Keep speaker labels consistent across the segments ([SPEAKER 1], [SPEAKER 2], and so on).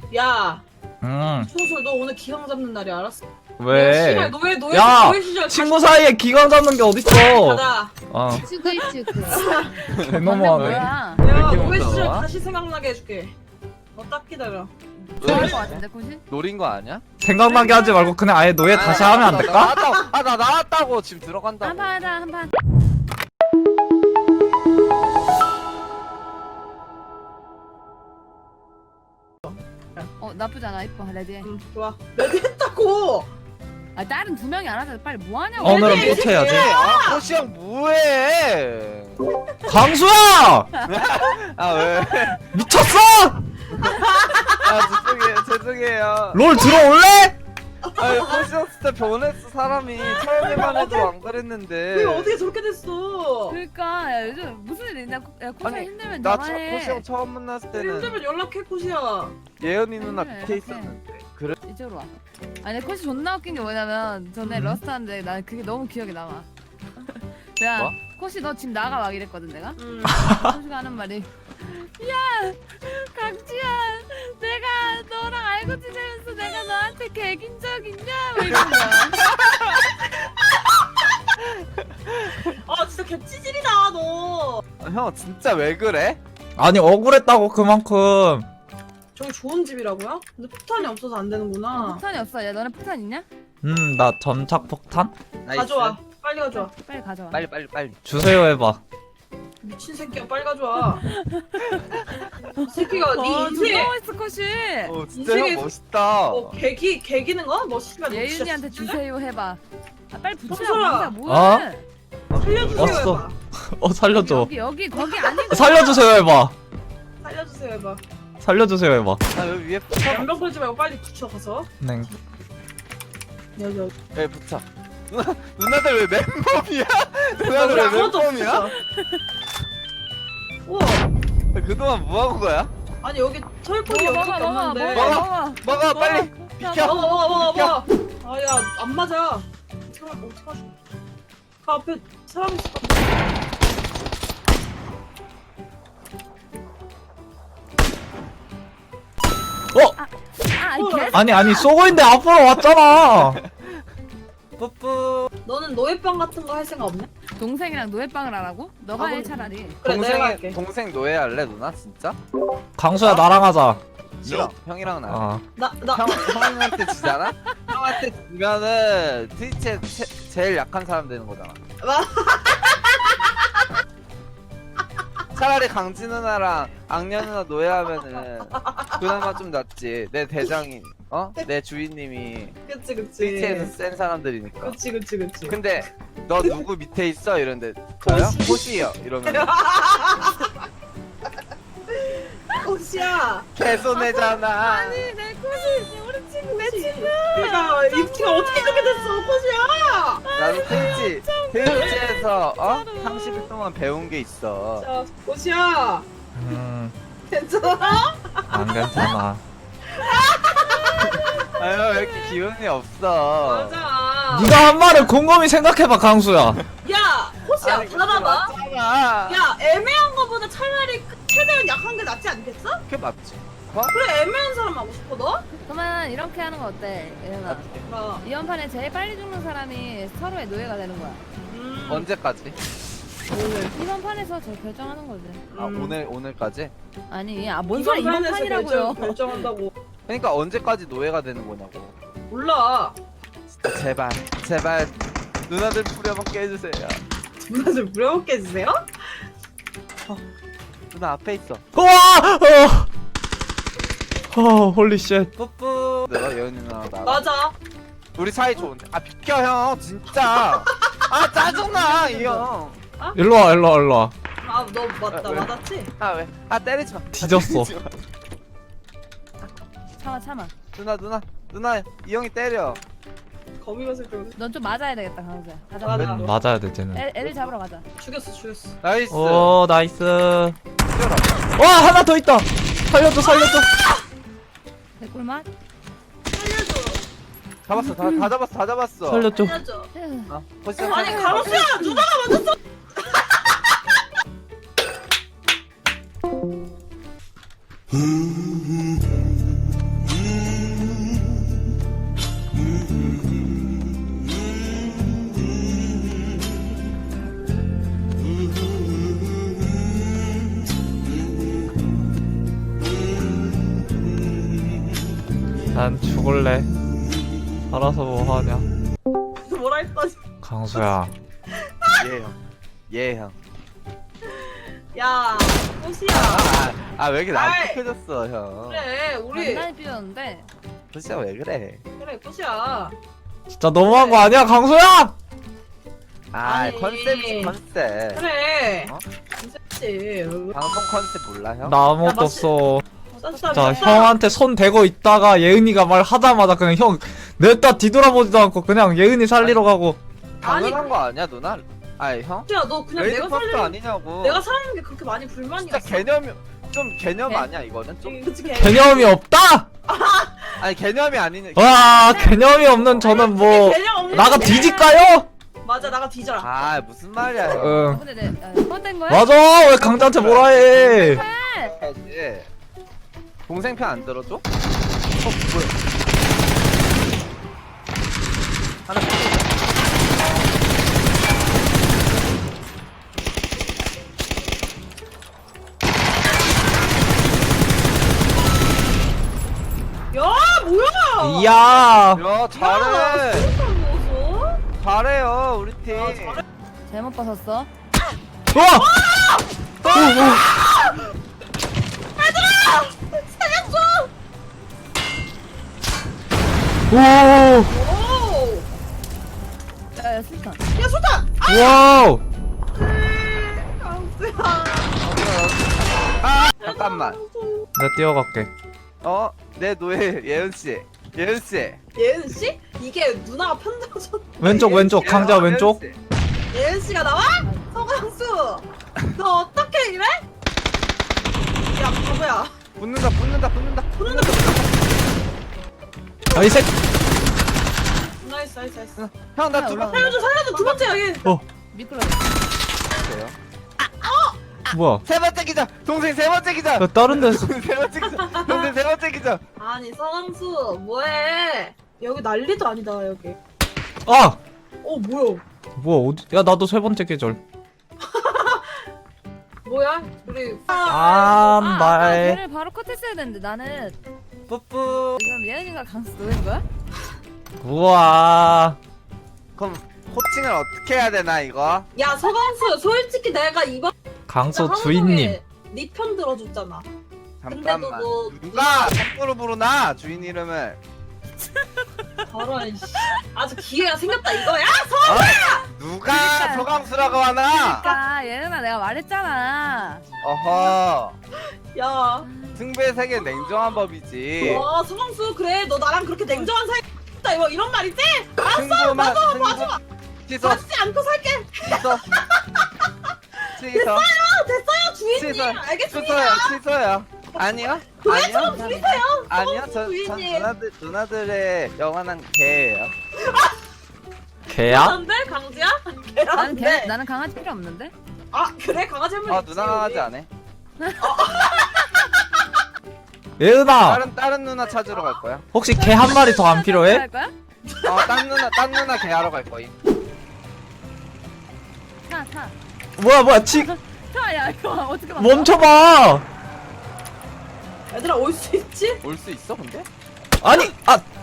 [SPEAKER 1] 야,
[SPEAKER 2] 응.
[SPEAKER 1] 소설 너 오늘 기강 잡는 날이 알았어?
[SPEAKER 2] 왜?
[SPEAKER 1] 씨발, 노예
[SPEAKER 2] 야,
[SPEAKER 1] 노예 시절
[SPEAKER 2] 친구 사이에 기강 잡는 게 어딨어?
[SPEAKER 1] 가자.
[SPEAKER 2] 어,
[SPEAKER 3] 쭈글쭈글.
[SPEAKER 2] 개너무하네.
[SPEAKER 3] 뭐야?
[SPEAKER 1] 야,
[SPEAKER 4] 이렇게
[SPEAKER 1] 노예
[SPEAKER 4] 무서워?
[SPEAKER 1] 시절 다시 생각나게 해줄게. 너 딱 기다려.
[SPEAKER 3] 좋아할 것 같은데 코시?
[SPEAKER 4] 노린 거 아니야?
[SPEAKER 2] 생각나게 하지 말고 그냥 아예 노예 다시 하면 안 될까?
[SPEAKER 4] 나 나왔다고 지금 들어간다고.
[SPEAKER 3] 한판 하자 한판. 나쁘지 않아. 이뻐 레디해.
[SPEAKER 1] 좋아. 레디 했다고.
[SPEAKER 3] 아 다른 두 명이 알아서 빨리 뭐 하냐고.
[SPEAKER 2] 오늘은
[SPEAKER 1] 레디,
[SPEAKER 2] 뽀체야지.
[SPEAKER 4] 아, 호시 형 뭐해?
[SPEAKER 2] 강수야!
[SPEAKER 4] 아 왜?
[SPEAKER 2] 미쳤어!
[SPEAKER 4] 아 죄송해요.
[SPEAKER 2] 롤 들어올래?
[SPEAKER 4] 아 호시 형 진짜 변했어 사람이. 처음에만 해도 안 그랬는데.
[SPEAKER 1] 왜 어떻게 저렇게 됐어?
[SPEAKER 3] 그러니까 야 요즘 무슨 일 있냐? 야 코시
[SPEAKER 4] 아니,
[SPEAKER 3] 힘들면
[SPEAKER 4] 나
[SPEAKER 3] 전화해.
[SPEAKER 4] 호시 형 처음 만났을 때는
[SPEAKER 1] 힘들면 연락해 코시야.
[SPEAKER 4] 예은이 누나
[SPEAKER 3] 그래,
[SPEAKER 4] 밑에
[SPEAKER 3] 이렇게.
[SPEAKER 4] 있었는데. 그래?
[SPEAKER 3] 이쪽으로 와. 아니 코시 존나 웃긴 게 뭐냐면 전에
[SPEAKER 2] 음.
[SPEAKER 3] 러스트 하는데 난 그게 너무 기억에 남아. 야
[SPEAKER 4] 뭐?
[SPEAKER 3] 코시 너 집 나가 막 이랬거든 내가.
[SPEAKER 1] 음.
[SPEAKER 3] 코시가 하는 말이 야 강지야 내가 너랑 알고 지내면서 내가 너한테 개긴 적 있냐? 뭐 이러는 거야.
[SPEAKER 1] 아 진짜 개찌질이다 너.
[SPEAKER 4] 형 진짜 왜 그래?
[SPEAKER 2] 아니 억울했다고 그만큼.
[SPEAKER 1] 저기 좋은 집이라고요? 근데 폭탄이 없어서 안 되는구나.
[SPEAKER 3] 폭탄이 없어. 야 너네 폭탄 있냐?
[SPEAKER 2] 나 점착 폭탄?
[SPEAKER 1] 가져와. 빨리 가져와.
[SPEAKER 3] 빨리 가져와.
[SPEAKER 4] 빨리.
[SPEAKER 2] 주세요 해봐.
[SPEAKER 1] 미친 새끼야 빨리 가져와. 이 새끼가 네 인생에
[SPEAKER 3] 존나 멋있어 코시.
[SPEAKER 4] 진짜
[SPEAKER 1] 인생에-
[SPEAKER 4] 형 멋있다.
[SPEAKER 1] 개기는 거? 뭐 씨발 너 진짜
[SPEAKER 3] 예윤이한테
[SPEAKER 1] 진짜
[SPEAKER 3] 주세요 해봐. 아 빨리 붙이라고
[SPEAKER 1] 청소라.
[SPEAKER 3] 항상 뭐해?
[SPEAKER 1] 살려주세요
[SPEAKER 2] 왔어.
[SPEAKER 1] 해봐.
[SPEAKER 2] 살려줘.
[SPEAKER 3] 여기 거기 아니고.
[SPEAKER 2] 살려주세요 해봐.
[SPEAKER 1] 살려주세요 해봐.
[SPEAKER 2] 살려주세요 해봐.
[SPEAKER 4] 아 여기 위에 붙여.
[SPEAKER 1] 연병 걸지 말고 빨리 붙여 가서.
[SPEAKER 2] 네.
[SPEAKER 1] 여기.
[SPEAKER 4] 왜 붙여? 누나들 왜 맨몸이야? 누나들
[SPEAKER 1] 우리
[SPEAKER 4] 왜
[SPEAKER 1] 아무것도
[SPEAKER 4] 맨몸이야?
[SPEAKER 1] 없어. 우와.
[SPEAKER 4] 그동안 뭐 하고 거야?
[SPEAKER 1] 아니 여기 철권이 여기밖에 없는데.
[SPEAKER 4] 먹어 빨리. 비켜.
[SPEAKER 1] 먹어. 아야 안 맞아. 어떡하지? 그 앞에 사람 있을 것 같아.
[SPEAKER 2] 아니 쏘고 있는데 앞으로 왔잖아.
[SPEAKER 4] 뿌뿌.
[SPEAKER 1] 너는 노예병 같은 거 할 생각 없냐?
[SPEAKER 3] 동생이랑 노예빵을 하라고? 너가 해 차라리.
[SPEAKER 1] 그래 내가 할게.
[SPEAKER 4] 동생 노예할래 누나 진짜?
[SPEAKER 2] 강수야 나랑 하자.
[SPEAKER 4] 싫어. 형이랑 나.
[SPEAKER 2] 아,
[SPEAKER 4] 형한테 지잖아? 형한테 지면은 트위치에 제일 약한 사람 되는 거잖아. 차라리 강지 누나랑 악녀 누나 노예하면은 그나마 좀 낫지. 내 대장이 내 주인님이
[SPEAKER 1] 그치.
[SPEAKER 4] 트위치에서 센 사람들이니까.
[SPEAKER 1] 그치.
[SPEAKER 4] 근데 너 누구 밑에 있어? 이런데 저요? 호시요. 이러면
[SPEAKER 1] 호시야.
[SPEAKER 4] 개손해잖아.
[SPEAKER 3] 아니 내 코시 우리 친구 내 친구.
[SPEAKER 1] 내가 이 티가 어떻게 이렇게 됐어, 호시야?
[SPEAKER 4] 나도 트위치에서 30일 동안 배운 게 있어.
[SPEAKER 1] 자, 호시야. 괜찮아?
[SPEAKER 2] 안 괜찮아.
[SPEAKER 4] 아유 왜 이렇게 기운이 없어.
[SPEAKER 1] 맞아.
[SPEAKER 2] 네가 한 말을 곰곰이 생각해봐 강수야.
[SPEAKER 1] 야, 호시야,
[SPEAKER 4] 아니,
[SPEAKER 1] 받아봐.
[SPEAKER 4] 맞잖아.
[SPEAKER 1] 야, 애매한 거보다 차라리 최대한 약한 게 낫지 않겠어?
[SPEAKER 4] 그게 맞지.
[SPEAKER 1] 그래, 애매한 사람 하고 싶어, 너?
[SPEAKER 3] 그러면 이렇게 하는 거 어때? 예은아.
[SPEAKER 1] 어.
[SPEAKER 3] 이번 판에 제일 빨리 죽는 사람이 서로의 노예가 되는 거야.
[SPEAKER 4] 언제까지?
[SPEAKER 1] 오늘.
[SPEAKER 3] 이번 판에서 저 결정하는 거지.
[SPEAKER 4] 아 오늘까지?
[SPEAKER 3] 아니 뭔 소리 이번
[SPEAKER 1] 판에서
[SPEAKER 3] 판이라고요.
[SPEAKER 1] 결정한다고.
[SPEAKER 4] 그러니까 언제까지 노예가 되는 거냐고.
[SPEAKER 1] 몰라.
[SPEAKER 4] 진짜 제발 누나들 부려먹게 해주세요.
[SPEAKER 1] 누나 좀 부려먹게 해주세요?
[SPEAKER 4] 누나 앞에 있어.
[SPEAKER 2] 우와! 홀리쉣.
[SPEAKER 4] 뿌뿌. 내가 예은이 누나랑 나랑.
[SPEAKER 1] 맞아.
[SPEAKER 4] 우리 사이 좋은데. 아 비켜 형 진짜. 아 짜증나 이 형.
[SPEAKER 2] 일로와.
[SPEAKER 1] 아, 너 맞다,
[SPEAKER 4] 왜?
[SPEAKER 1] 맞았지?
[SPEAKER 4] 아 왜? 아 때리지 마.
[SPEAKER 2] 뒤졌어.
[SPEAKER 4] 때리지 마.
[SPEAKER 3] 참아.
[SPEAKER 4] 누나 이 형이 때려.
[SPEAKER 1] 거미 갔을 때
[SPEAKER 3] 넌 좀 맞아야 되겠다 강수야. 가자.
[SPEAKER 1] 맞아.
[SPEAKER 2] 맞아야 돼 쟤는.
[SPEAKER 3] 애를 잡으러 가자.
[SPEAKER 1] 죽였어.
[SPEAKER 4] 나이스.
[SPEAKER 2] 오 나이스.
[SPEAKER 4] 뛰어라.
[SPEAKER 2] 와 하나 더 있다. 살려줘.
[SPEAKER 3] 개꿀맛.
[SPEAKER 1] 살려줘.
[SPEAKER 4] 잡았어. 다 잡았어.
[SPEAKER 2] 살려줘.
[SPEAKER 1] 살려줘.
[SPEAKER 4] 벌써
[SPEAKER 1] 아니, 가로수야! 누나가 맞았어!
[SPEAKER 2] 난 죽을래. 알아서 뭐 하냐.
[SPEAKER 1] 뭐라 했더니
[SPEAKER 2] 강수야.
[SPEAKER 4] 예 형. 예 형.
[SPEAKER 1] 야 꽃이야.
[SPEAKER 4] 왜 이렇게
[SPEAKER 1] 아이.
[SPEAKER 4] 나한테 펴졌어 형.
[SPEAKER 1] 그래 우리
[SPEAKER 3] 장난이 삐졌는데.
[SPEAKER 4] 진짜 왜 그래?
[SPEAKER 1] 그래 꽃이야.
[SPEAKER 2] 진짜 너무한 거 아니야, 강수야?
[SPEAKER 1] 아니.
[SPEAKER 4] 컨셉이 컨셉.
[SPEAKER 1] 그래.
[SPEAKER 4] 어?
[SPEAKER 1] 괜찮지.
[SPEAKER 4] 방송 컨셉 몰라 형?
[SPEAKER 2] 나 아무것도
[SPEAKER 1] 야, 맛있-
[SPEAKER 2] 없어.
[SPEAKER 1] 쌌어.
[SPEAKER 2] 자, 형한테 손 대고 있다가 예은이가 말 하자마자 그냥 형 냈다 뒤돌아보지도 않고 그냥 예은이 살리러 가고.
[SPEAKER 4] 당연한 거 아니야 누나? 아니 형?
[SPEAKER 1] 야, 너 그냥
[SPEAKER 4] 레이드
[SPEAKER 1] 내가
[SPEAKER 4] 퍼스트
[SPEAKER 1] 살리는
[SPEAKER 4] 아니냐고.
[SPEAKER 1] 내가 살리는 게 그렇게 많이 불만이
[SPEAKER 4] 진짜
[SPEAKER 1] 있어.
[SPEAKER 4] 개념이 좀 개념
[SPEAKER 3] 개-
[SPEAKER 4] 아니야 이거는 좀.
[SPEAKER 1] 그치
[SPEAKER 2] 개념이 없다?
[SPEAKER 4] 아니 개념이 아니냐.
[SPEAKER 2] 와, 개념이 없는 저는 뭐
[SPEAKER 1] 개념 없는
[SPEAKER 2] 나가
[SPEAKER 1] 게.
[SPEAKER 2] 뒤질까요?
[SPEAKER 1] 맞아 나가 뒤져라.
[SPEAKER 4] 아 무슨 말이야 형.
[SPEAKER 2] 응.
[SPEAKER 3] 근데 내 뻔된 거야?
[SPEAKER 2] 맞아. 왜 강자한테 뭐라 해?
[SPEAKER 4] 해야지. 동생 편 안 들어줘? 뭐야? 하나
[SPEAKER 1] 야 뭐야?
[SPEAKER 2] 이야.
[SPEAKER 4] 야 잘해.
[SPEAKER 1] 무서워?
[SPEAKER 4] 잘해요 우리 팀.
[SPEAKER 1] 야, 잘해.
[SPEAKER 3] 잘못 봤었어.
[SPEAKER 2] 와!
[SPEAKER 1] 살렸어.
[SPEAKER 2] 오!
[SPEAKER 1] 오.
[SPEAKER 3] 야야 술탄.
[SPEAKER 1] 야 수탄.
[SPEAKER 2] 와우!
[SPEAKER 1] 강수야.
[SPEAKER 4] 아 잠깐만.
[SPEAKER 2] 내가 뛰어갈게.
[SPEAKER 4] 내 노예 예은 씨. 예은 씨.
[SPEAKER 1] 예은 씨? 이게 누나가 편들어줬.
[SPEAKER 2] 왼쪽 왼쪽 강자
[SPEAKER 4] 예은
[SPEAKER 2] 왼쪽.
[SPEAKER 4] 씨.
[SPEAKER 1] 예은 씨가 나와? 서강수. 너 어떻게 이래? 야 바보야.
[SPEAKER 4] 붙는다.
[SPEAKER 1] 부르는 거.
[SPEAKER 2] 아, 이 새끼.
[SPEAKER 1] 나이스 나이스 나이스.
[SPEAKER 4] 형 나
[SPEAKER 3] 야,
[SPEAKER 4] 두명
[SPEAKER 3] 올라가.
[SPEAKER 1] 살려줘 두 번째 여기.
[SPEAKER 3] 미끄러.
[SPEAKER 4] 있어요.
[SPEAKER 2] 뭐야?
[SPEAKER 4] 세 번째 기자. 동생 세 번째 기자.
[SPEAKER 2] 야, 다른 데서
[SPEAKER 4] 동생 세 번째 기자. 동생 세 번째 기자.
[SPEAKER 1] 아니 서강수 뭐해? 여기 난리도 아니다 여기.
[SPEAKER 2] 아!
[SPEAKER 1] 뭐야?
[SPEAKER 2] 뭐야? 어디? 야, 나도 세 번째 계절.
[SPEAKER 1] 뭐야? 우리
[SPEAKER 2] 아,
[SPEAKER 3] 아까
[SPEAKER 2] 말.
[SPEAKER 3] 걔를 바로 컷했어야 되는데 나는
[SPEAKER 4] 뿌뿌.
[SPEAKER 3] 지금 예은이가 강수 노인 거야?
[SPEAKER 2] 우와.
[SPEAKER 4] 그럼 코칭을 어떻게 해야 되나 이거?
[SPEAKER 1] 야 서강수 솔직히 내가 이번
[SPEAKER 2] 강수 주인님.
[SPEAKER 1] 네편 들어줬잖아.
[SPEAKER 4] 잠깐만.
[SPEAKER 1] 근데도 뭐-
[SPEAKER 4] 누가 함부로 부르나 주인 이름을?
[SPEAKER 1] 저런 씨. 아주 기회가 생겼다 이거야?
[SPEAKER 4] 누가
[SPEAKER 3] 그러니까.
[SPEAKER 4] 서강수라고 하나?
[SPEAKER 3] 그러니까 예은아 내가 말했잖아.
[SPEAKER 4] 어허.
[SPEAKER 1] 야.
[SPEAKER 4] 승부의 세계 냉정한 법이지.
[SPEAKER 1] 와 서강수 그래 너 나랑 그렇게 냉정한 사이 있다 이거 이런 말이지?
[SPEAKER 4] 승부만 승부. 취소
[SPEAKER 1] 맞지 않고 살게.
[SPEAKER 4] 취소. 취소.
[SPEAKER 1] 됐어요 주인님.
[SPEAKER 4] 취소.
[SPEAKER 1] 알겠습니다.
[SPEAKER 4] 취소야 취소야. 아니요?
[SPEAKER 1] 도예처럼
[SPEAKER 4] 아니요?
[SPEAKER 1] 부리세요.
[SPEAKER 4] 아니요? 전
[SPEAKER 1] 주인님.
[SPEAKER 4] 누나들의 영원한 개예요.
[SPEAKER 2] 개야?
[SPEAKER 1] 안돼 강지야?
[SPEAKER 3] 나는 걔
[SPEAKER 1] 걔한테.
[SPEAKER 3] 나는 강아지 필요 없는데.
[SPEAKER 1] 아 그래 강아지 한명
[SPEAKER 4] 아 누나 하지 않아?
[SPEAKER 2] 예은아,
[SPEAKER 4] 다른 누나 찾으러 갈 거야.
[SPEAKER 2] 혹시 개 한 마리 더 안 필요해?
[SPEAKER 3] 할 거야?
[SPEAKER 4] 딴 누나 개 하러 갈 거임.
[SPEAKER 3] 타.
[SPEAKER 2] 뭐야,
[SPEAKER 3] 타야 이거 어떻게 막?
[SPEAKER 2] 멈춰봐!
[SPEAKER 1] 얘들아 올 수 있지?
[SPEAKER 4] 올 수 있어 근데?
[SPEAKER 2] 아니,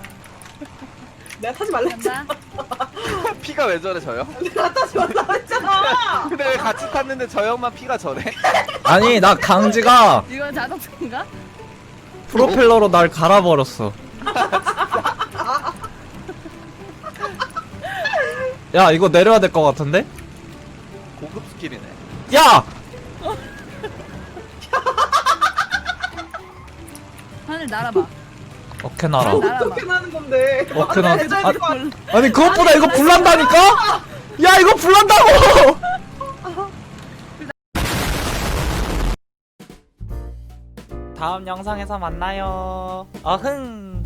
[SPEAKER 1] 내가 타지 말라 했잖아.
[SPEAKER 3] 간다.
[SPEAKER 4] 피가 왜 저래 저 형?
[SPEAKER 1] 내가 타지 말라 했잖아.
[SPEAKER 4] 근데 왜 같이 탔는데 저 형만 피가 저래?
[SPEAKER 2] 아니, 나 강지가
[SPEAKER 3] 이건 자동차인가?
[SPEAKER 2] 프로펠러로 날 갈아버렸어. 야, 이거 내려야 될 것 같은데?
[SPEAKER 4] 고급 스킬이네.
[SPEAKER 2] 야!
[SPEAKER 3] 하늘 날아봐.
[SPEAKER 2] 어케 나라.
[SPEAKER 3] 날아봐.
[SPEAKER 1] 어떻게 나는 건데?
[SPEAKER 2] 어케 나라.
[SPEAKER 1] 해줘야 될것 같아.
[SPEAKER 2] 아니, 그것보다 이거 불난다니까? 야, 이거 불난다고! 다음 영상에서 만나요. 어흥.